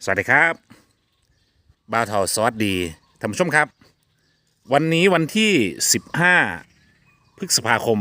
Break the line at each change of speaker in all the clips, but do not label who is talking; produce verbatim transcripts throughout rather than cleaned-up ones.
สวัสดีครับบ่าวเทาซอสดีท่านผู้ชมครับวันนี้วันที่สิบห้าพฤษภาคม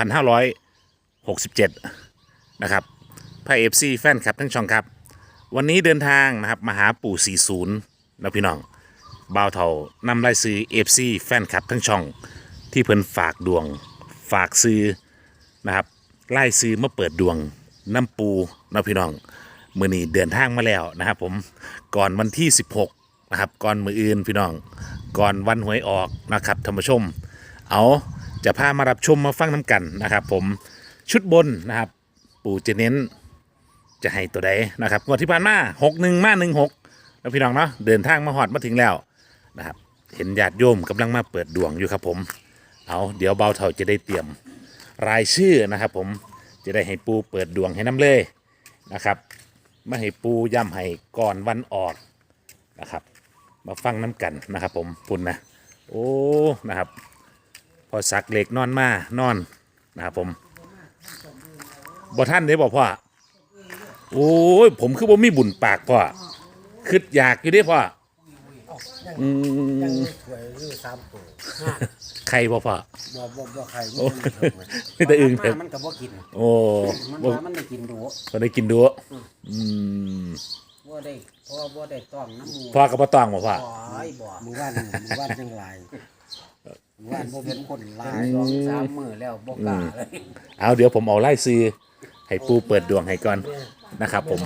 สองพันห้าร้อยหกสิบเจ็ดนะครับพระเอฟซีแฟนคลับทั้งช่องครับวันนี้เดินทางนะครับมาหาปู่สี่สิบนะพี่น้องบ่าวเทานำไล่ซื้อเอฟซีแฟนคลับทั้งช่องที่เพิ่นฝากดวงฝากซื้อนะครับไล่ซื้อมาเปิดดวงน้ำปูนะพี่น้องมือนี้เดินทางมาแล้วนะครับผมก่อนวันที่สิบหกนะครับก่อนมืออื่นพี่น้องก่อนวันหวยออกนะครับท่านผู้ชมเอาจะพามารับชมมาฟังน้ำกันนะครับผมชุดบนนะครับปู่จะเน้นจะให้ตัวใดนะครับงวดที่ผ่านมาหกหนึ่งมาหนึ่งหกแล้วพี่น้องเนาะเดินทางมาหอดมาถึงแล้วนะครับเห็นญาติโยมกำลังมาเปิดดวงอยู่ครับผมเอาเดี๋ยวเบาเท่าจะได้เตรียมรายชื่อนะครับผมจะได้ให้ปูเปิดดวงให้น้ำเลยนะครับมาให้ปูย่ำให้ก่อนวันออกนะครับมาฟังน้ำกันนะครับผมปุ่นนะโอ้นะครับพอสักเหล็กนอนมานอนนะครับผมบ่ท่านได้บอกพ่อโอ้ยผมคือบ่มีบุญปากพ่อคิดอยากอยู่เด้พ่ออืมใครบ่พ่อ
บ่บ่บ่ใคร
ไม่แต่อึ่ง
มันก็บ่กิน
โอ้
มันว่ามันได้กินดู
ก็ได้กินดูอืม
บ่ได้เพราะว่าบ่ได้ต้องน้ำมู
พ่อกับพ่อต้องบ่พ่อ
บ่บ่มื้อวานมื้อวานจังหลายมื้อวานบ่เป็นคนหลายสองสามมื้อแล้วบ่กล้าเลย
เอาเดี๋ยวผมเอาไล่ซื้อให้ปูเปิดดวงให้ก่อนนะครับผม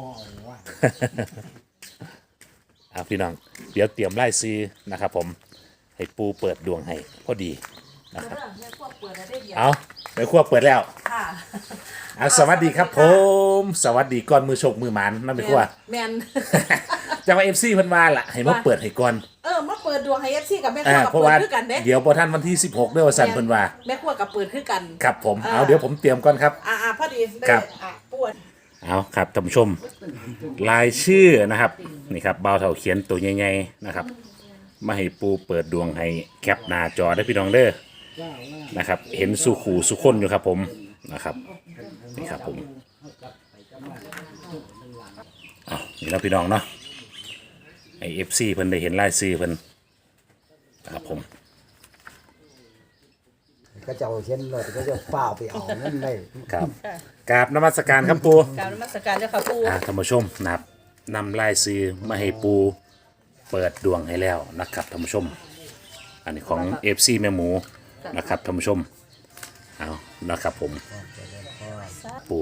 เอาพี่น้องเดี๋ยวเตรียมไล่ซื้อนะครับผมให้ปูเปิดดวงให้พอดีนะครับเอาไปขั้วเปิดแล้วเอาสวัสดีครับผมสวัสดีก่อนมือโชคมือหมันนั่นเป็นขั้ว
แมน
จะมาเอฟซีเพิ่นมาล่ะให้มาเปิดให้ก่อน
เออมาเปิดดวงให้เอฟซีกับแม่ครัวกับเปิดคือกันเด้
เดี๋ยวพอท่านวันที่สิบหกด้วยว่าสั่นเพิ่นว่า
แม่ครัวกับเปิดคือกัน
ครับผมเอาเดี๋ยวผมเตรียมก่อนครับ
อ่าพอดีได้อ่ะปวด
เอาครับท่านผู้ชมรายชื่อนะครับนี่ครับบ่าวเฒ่าเขียนตัวใหญ่ๆนะครับมาให้ปูเปิดดวงให้แคปหน้าจอได้พี่น้องเด้อนะครับเห็นสุขูสุคนอยู่ครับผมนะครับนี่ครับผมเอานี่แล้วพี่น้องเนาะไอเอฟซีเพิ่นได้เห็นรายชื่อเพิ่นนะครับผม
ก็จะเอาเช่นเลยก็จะเปล่าไปเอานั่นได้
ครับกราบนมัสการครับปู
กราบนมัสการเจ้าค่ะปู
ท่านผู้ชมนะครับนำรายชื่อมาให้ปูเปิดดวงให้แล้วนะครับท่านผู้ชมอันนี้ของ เอฟ ซี แม่หมูนะครับท่านผู้ชมเอานะครับผมปู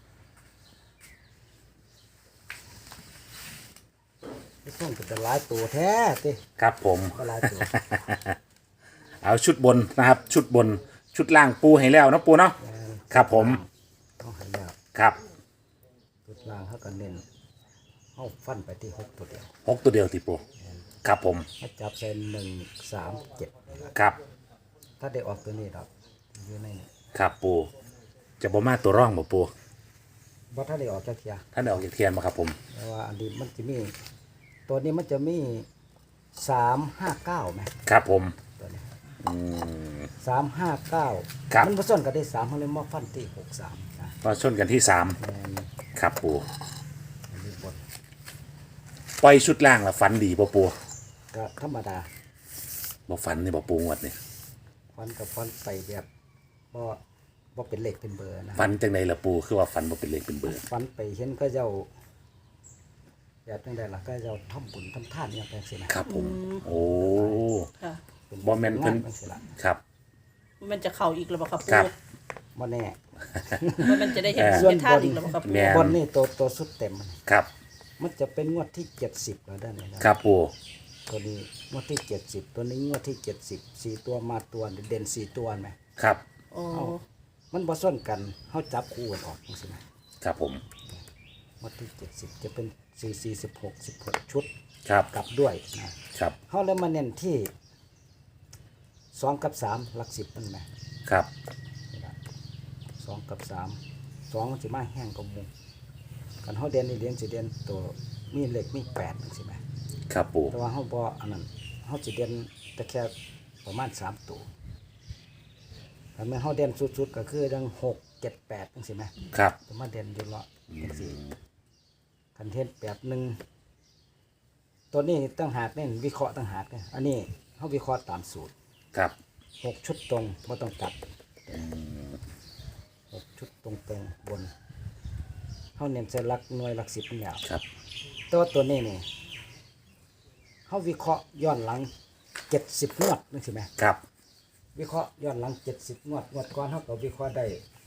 ต้องเป็นหลายตัวแท้ติ
ครับผม
ก็หลายตัว
เอาชุดบนนะครับชุดบนชุดล่างปูให้แล้วนะปูเนาะครับผม
ต้องให้แล้ว
ครับ
ชุดล่างเขาก็เน้นเอาฟันไปที่หกตัวเดียว
หกตัวเดียวที่ปูครับผม
มาจับเส้นหนึ่งสามเจ็ด
ครับ
ถ้าได้ออกตัวนี้ดอกอยู่ในนี้
ครับปูจะบ่มาตัวร่องบ่ปู
ว่าถ้าได้ออกจากเทีย
ถ้าได้ออกจากเทียนมาครับผม
แต่ว่าอันนี้มันจะมีตัวนี้มันจะมีสามห้าเก้าไหม
ครับผม
ตัวนี้สามห้าเก้ามันผสมกันได้สามเขาเลยมาฟันที่หกสาม
มาชนกันที่สามครับปูปล่อยชุดล่างละฟันดีบ่ปู
ก็ธรรมดา
บ่ฟันนี่บ่ปูงวดนี่
ฟันกับฟันไปแบบบ่บ่เป็นเหล็กเป็นเบอร์นะ
ฟันจังไดล่ะปูคือว่าฟันบ่เป็นเหล็กเป็นเบอร์
ฟันไปเห็นก็เจ้าแบบจังไดล่ะก็เจ้าทำบุญทำทานอย่างแปลงสินะครับ
ผมโอ้บ่แม่นเพิ่นครับ
มันจะเข้าอีกหรือเปล่าครับปู
บ่แน่
มันจะได้เห็นเป็นท่าอีกหรือเปล่าครับ
บนนี่ตัวตัวสุดเต็ม
ครับ
มันจะเป็นงวดที่เจ็ดสิบแล้วด้านนี้
ครับปู
ตัวนี้งวดที่เจ็ดสิบตัวนี้งวดที่เจ็ดสิบสี่ตัวมาตัวเด่นสี่ตัวไหม
ครับ
โอ้
มันผสมกันเขาจับคู่กันออกใช่ไหม
ครับผม
งวดที่เจ็ดสิบจะเป็นสี่สี่สิบหกสิบหกชุด
ครับ
กลับด้วยนะครับเขาเลยมาเน้นที่สองกับสามหลักสิบนั่นไหม
ครับ
สองกับสามสองจะมาแห้งกับมุงกันเขาเด่นนี่เด่นจะเด่นตัวมีเหล็กมีแปดใช่ไหม
ครับปู
แต่ว่าเขาบออันนั้นเขาจะเด่นแต่แค่ประมาณสามตัวแต่เมื่อเขาเด่นสุดๆก็คือดังหกเจ็ดแปดใช่ไหม
ครับ
แต่มาเด่นอยู่ละสี่คันเทนแปดหนึ่งตัวนี้ตั้งหากเนี่ยวิเคราะห์ตั้งหากเนี่ยอันนี้เขาวิเคราะห์ตามสูตร
ครับ
หกชุดตรงไม่ต้องตัดหกชุดตรงตรงๆบนเขาเน้นใส่หลักหน่วยหลักสิบนี่แหละ
ครับ
ตัวตัวนี้นี่เขาวิเคราะห์ย้อนหลังเจ็ดสิบงวดนึกใช่ไหม
ครับ
วิเคราะห์ย้อนหลังเจ็ดสิบงวดงวดก่อนเขาก็วิเคราะห์ได้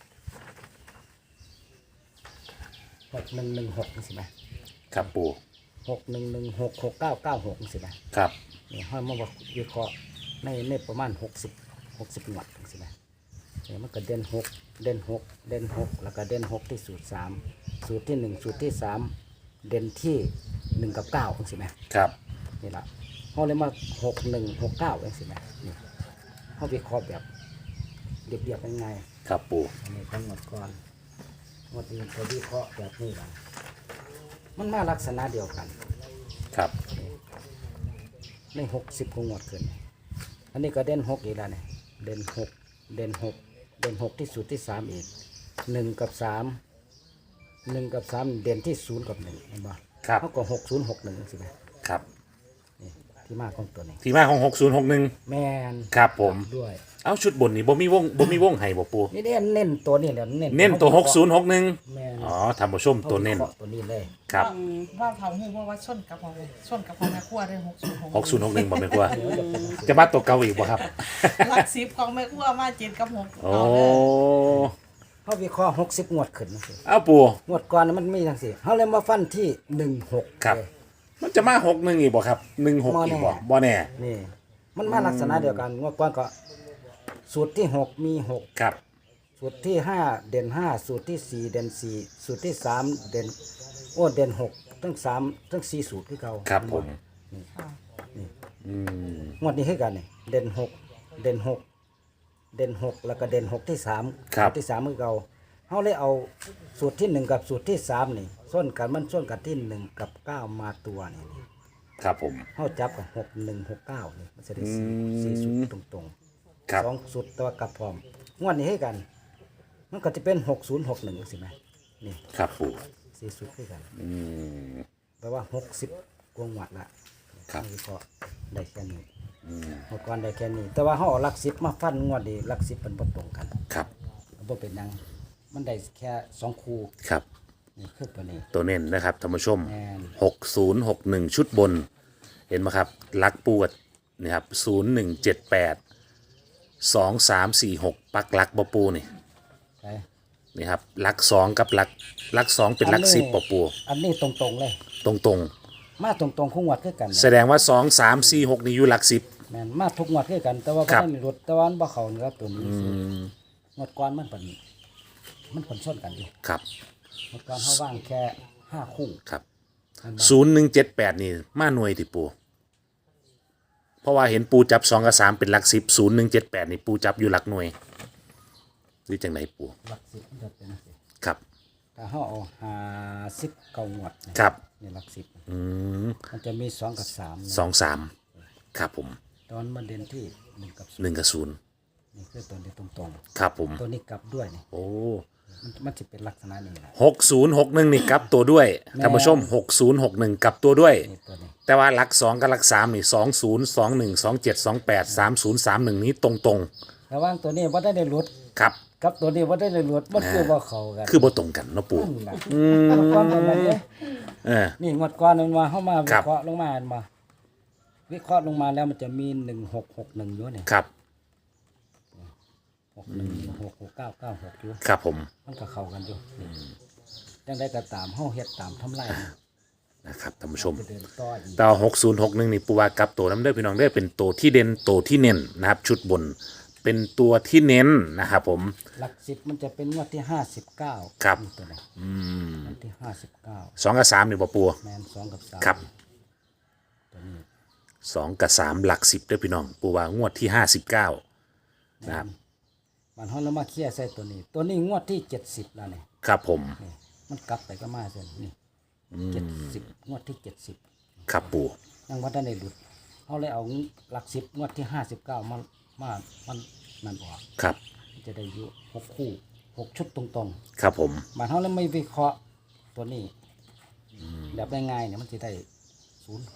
หกหนึ่งหนึ่งหกนึกใช่ไหม
ครับปู
หกหนึ่งหนึ่งหกหกเก้าเก้าหกนึกใช่ไหม
ครับ
นี่ห้อยมาบอกวิเคราะห์ในในประมาณหกสิบหกสิบงวดนึกใช่ไหมเนี่ยมันก็เด่นหกเด่นหกเด่นหกแล้วก็เด่นหกที่สูตรสามสูตรที่หนึ่งสูตรที่สามเด่นที่หนึ่งกับเก้านึกใช่ไหม
ครับ
นี่ละเขาเลยมาหกหนึ่งหกเก้าเองสิแม่นี่เขาวิเคราะห์แบบเรียบๆง่าย
ครับปู
ๆอันนี้ทั้งหมดก่อนหมดนี้เขาวิเคราะห์แบบนี้ละมันมาลักษณะเดียวกัน
ครับ
ในหกสิบกว่าหมวดขึ้น อันนี้ก็เด่นหกอีกแล้วเนี่ยเด่นหกเด่นหกเด่นหกที่สุดที่สามอีกหนึ่งกับสามหนึ่งกับสามเด่นที่ศูนย์กับหนึ่งเห็นปะ
ครับ
เขาก็หกศูนย์หกหนึ่งสิแม่
ครับ
นี่ที่มาของตัวนี้
ที่มาของหกศูนย์หกหนึ่ง
แม่น
ครับผม
ด้วย
เอาชุดบนนี่บ่มีวงบ่มีวงให้บ่ปู
นี่เน้นเน้นตัวนี้แหละเน้น
เน้นตัวหกศูนย์หกหนึ่ง
แม่น
อ๋อท่านผู้ชมตัวเน้น
อาวิคราะห์ตัวนี้เลย
ครับ
ว่าเผาหูว่าว่าชนกับของชนกับของแม่ครัวเรื่องหกศูนย์
หกศูนย์หกหนึ่งบ่แม่นกว่าจะมาตัวเก่าอีกบ่ครับ
หลักสิบของแม่ครัวมาเจ็ดกับหก
โอ้
เอาเลย
เขาวิเคราะห์หกสิบงวดขึ้นจังซี่
เอาปู
งวดก่อนมันมีทั้งสี่เขาเลยมาฟันที่หนึ่งหก
ครับ มันจะมาหกหนึ่งอีกบ่ครับหนึ่งหกอีกบ่บ่แน่
นี่มันมาลักษณะเดียวกันงวดก่อนก็สูตรที่หกมีหก
ครับ
สูตรที่ห้าเด่นห้าสูตรที่สี่เด่นสี่สูตรที่สามเด่นโอ้เด่นหกทั้งสามทั้งสี่สูตรคือเก่า
ครับผม
ค่ะ
อืม
งวดนี้คือกันนี่เด่นหกเด่นหกเด่นหกแล้วก็เด่นหกที่สาม
ครับ
สูตรที่สามคือเก่าเขาเลยเอาสูตรที่หนึ่งกับสูตรที่สามนี่ส้นกันมันส้นกันที่หนึ่งกับเก้ามาตัวนี่
ครับผม
เขาจับกับหกหนึ่งหกเก้านี่มันจะได้สี่
อืม
สี่สูตรตรง
ครับ
ๆสองสูตรตัวกลับพร้อมงวดนี้ให้กัน มันก็จะเป็นหกศูนย์หกหนึ่งสิไหมนี่
ครับปู
สี่สูตรให้กัน
อืม
แปลว่าหกสิบกวงวัดละ
ครับ
นี่ก็ได้แค่นี้
อืม
หมดก่อนได้แค่นี้ แต่ว่าเขาเอาหลักสิบมาฟันงวดดีหลักสิบเป็นบ่ตรงกัน
ครับ
บ่เป็นหยังมันได้แค่สองคู่
ครับ
นี่คือตัวนี้
ตัวเน้นนะครับท่านผู้ชม
แม่น
หกศูนย์หกหนึ่งชุดบน เห็นไหมครับลักปูดนี่ครับศูนย์หนึ่งเจ็ดแปดสองสามสี่หกปักลักบปูนี่
ไป
นี่ครับลักสองกับลักลักสองเป็นลักสิบปปู
อันนี้ตรงๆเลย
ตรงตรง
มาตรงๆคู่งวดคือกัน
ๆ แสดงว่าสองสามสี่หกนี่อยู่ลักสิบ
แม่นมาทุกงวดคือกัน แต่ว่า
ครับ
บ่ได้รถแต่ว่ามันบ่เข้านะครับตัวนี้งวดก่อนมันเป็นมันผลชนกันอยู่
ครับ
งวดก่อนเขาว่างแค่ห้าคู่
ครับ
มันบ่
ศูนย์หนึ่งเจ็ดแปดนี่มาหน่วยติปู เพราะว่าเห็นปูจับสองกับสามเป็นหลักสิบศูนย์หนึ่งเจ็ดแปดนี่ปูจับอยู่หลักหน่วยหรือจังไหนปู
หลักสิบมันจะเป็นจังซี่
ครับ
ถ้าเขาเอาห้าสิบเก้างวดเนี่ย
ครับ
นี่หลักสิบ
อืม
มันจะมีสองกับสามนะ
สองสามครับผม
ตอนมันเด่นที่หนึ่งกับศูนย์
หนึ่งกับศูนย์
นี่คือตัวนี้ตรง
ครับผม
ๆตัวนี้กลับด้วยนี่
โอ้
มันมันจะเป็นลักษณะนี้แหละ
หกศูนย์หกหนึ่งนี่กลับตัวด้วยท่านผู้ชมหกศูนย์หกหนึ่งกลับตัวด้วย
นี่ตัวนี้
แต่ว่าหลักสองกับหลักสามนี่สองศูนย์สองหนึ่งสองเจ็ดสองแปดสามศูนย์สามหนึ่งนี้ตรงตรง
ระหว่างตัวนี้ว่าได้ได้ลด
ๆครับ
กับตัวนี้ว่าได้ได้ลดมันคือว่าเขากัน
คือบ่ตรงกันเนาะปู
นั่นแหละงวดก่อนเป็นแบบนี้
เออ
นี่งวดก่อนมันมาเข้ามา
ค
วิ
รับ
เคราะห์ลงมาเห็นมาวิเคราะห์ลงมาแล้วมันจะมีหนึ่งหกหกหนึ่งอยู่เนี่ย
ครับ
หกหนึ่งหกหกเก้าเก้าหกอยู่
ครับผม
มันก็เข้ากันอยู่นี่ยังได้ก็ตามเฮาเฮ็ดตามทำลาย
นะครับท่านผู้ชม
จะเดินต่ออีก
ต่อหกศูนย์หกหนึ่งนี่ปูว่ากลับตัวน้ำเด้อพี่น้องเด้อเป็นตัวที่เด่นตัวที่เน้นนะครับ ชุดบนเป็นตัวที่เน้นนะครับผม
หลักสิบมันจะเป็นงวดที่ห้าสิบเก้า
ครับ
ตัวนี้งวดที่ห้าสิบเก้า
สองกับสามนี่บ่ปู
แมนสองกับสาม
ครับ
ตัวนี้
สองกับสามหลักสิบเด้อพี่น้องปูว่างวดที่ห้าสิบเก้านะครับ
มันเขาแล้วมาเคลียร์ใส่ตัวนี้ ตัวนี้งวดที่เจ็ดสิบแล้วเนี่ย
ครับผม
นี่มันกลับไปก็มาเส้นนี่เจ็ดสิบงวดที่เจ็ดสิบ
ครับปู
ยังว่าได้ในหลุดเขาเลยเอาหลักสิบงวดที่ห้าสิบเก้ามามามันนั่นออก
ครับ
จะได้อยู่หกคู่หกชุดตรง
ครับผม
ๆมันเขาเลยไม่วิเคราะห์ตัวนี้แบบง่ายๆเนี่ยมันจะได้ศูนย์หก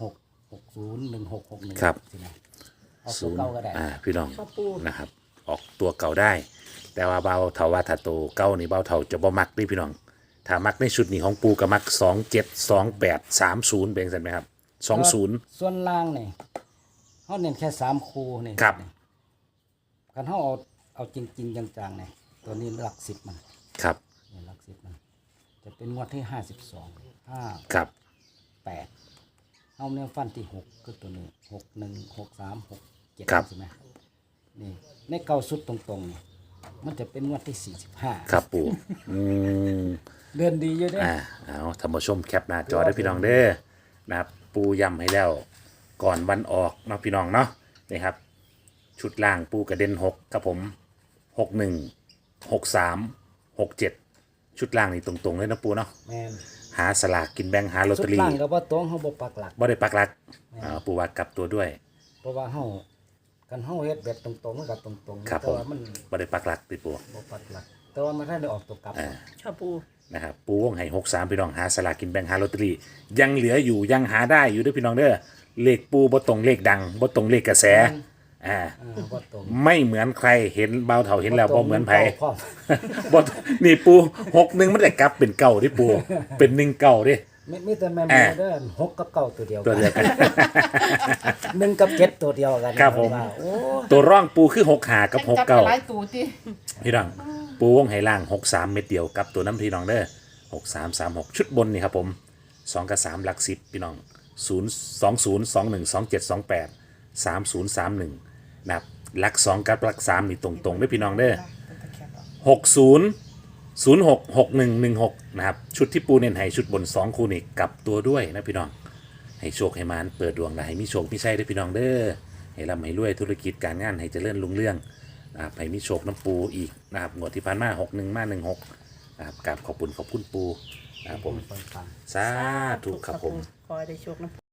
หกศูนย์หนึ่งหกหกหนึ่ง
ครับ
สินะเอาตั
ศู
วน
ย์
เก่าก็ได้
อ่าพี่น้อง
ชอบปู
นะครับ ออกตัวเก่าได้ แต่ว่าเบาเถาว่าถ้าตัวเก่านี่เบาเถาจะบ่มักนี่พี่น้อง ถ้ามักในชุดนี้ของปูก็มักสองเจ็ดสองแปดสามศูนย์เป็นสันไหมครับสองศูนย์
ส่วนล่างนี่เขาเน้นแค่สามคูนี่
ครับ
กันเขาเอาเอาจริงๆจังๆเนี่ยตัวนี้หลักสิบมัน
ครับ
เนี่ยหลักสิบมัน จะเป็นงวดที่ห้าสิบสองห้า
ครับ
แปดเอาเนี่ยฟันที่หกคือตัวนี้หกหนึ่งหกสามหกเจ็ด
ครับ
ใช่ไหมนี่ในเก้าสุดตรงๆนี่มันจะเป็นงวดที่สี่สิบห้า
ครับปูอืม
เดือนดีอยู่เด้
อ่าเอาท่านผู้ชมแคปหน้าจอได้พี่น้องเด้อนะครับปูย้ำให้แล้วก่อนวันออกเนาะพี่น้องเนาะนี่ครับ ชุดล่างปูกระเด็นหกครับผมหกหนึ่งหกสามหกเจ็ดชุดล่างนี่ตรงๆเลยนะปูเนาะ
แมน
หาสลากกินแบ่งหาลอต
สุ
เต
ด
อรี่
ล่างก็บ่ตรงเขาบ่ปักหลัก
บ่ได้ปักหลักอ่าปูว่ากลับตัวด้วย
เพราะว่าเฮากันเฮาเฮ็ดแบบตรงๆมันก็ตรงๆ
ครับ
แต่ว่ามัน
บ่ได้ปักหลักติปู
บ่ปักหลัก แต่ว่ามันถ้าได้ออกตัวกลับ
ชอบปู
นะครับปูวงให้หกสามพี่น้องหาสลากกินแบ่งหาลอตเตอรี่ยังเหลืออยู่ยังหาได้อยู่เด้วยพี่น้องเด้อเลขปูบ่ตรงเลขดังบ่ตรงเลขกระแสอ่า
เออบ่ตรง
ไม่เหมือนใครเห็นเบาเท่าเห็นแล้วบ่เหมือนไผ
พร้อม
บ่นี่ปูหกหนึ่งมันจะกลับเป็นเก่าที่ปูเป็นหนึ่งเก่าดิ
มีมีแต่แม่น
อ่า
เด้อหกกับเก้าตัวเดียว
ตัวเดียวกัน
หนึ่งกับเจ็ดตัวเดียวกัน
ครับผม
ว่าโอ้
ตัวร่องปูคือหกหากับหก
จับ
เก้า
หลายตูติ
พี่น้องปูวงไหล่างหกสามเม็ดเดียวกับตัวน้ำพี่น้องเด้อหกสามสามหกชุดบนนี่ครับผมสองกับสามหลักสิบพี่น้องศูนย์สองศูนย์สองหนึ่งสองเจ็ดสองแปดสามศูนย์สามหนึ่งนะครับหลักสองกับหลักสามนี่ตรงๆเด้อพี่น้องเด้อหกศูนย์ศูนย์หกหกหนึ่งหนึ่งหกนะครับชุดที่ปูเน้นให้ชุดบนสองคู่นี่กลับตัวด้วยนะพี่น้องให้โชคให้มานเปิดดวงนะให้มีโชคมีชัยเด้อพี่น้องเด้อให้ร่ำให้รวยธุรกิจการงานให้เจริญรุ่งเรือง นะครับให้มีโชคน้ำปูอีกนะครับงวดที่ผ่านมาหกหนึ่งมาหนึ่งหกนะครับกราบขอบคุณขอบคุณปูนะครับผม
ฟัง
สาธุครับผม
ขอให้ได้โชคนะ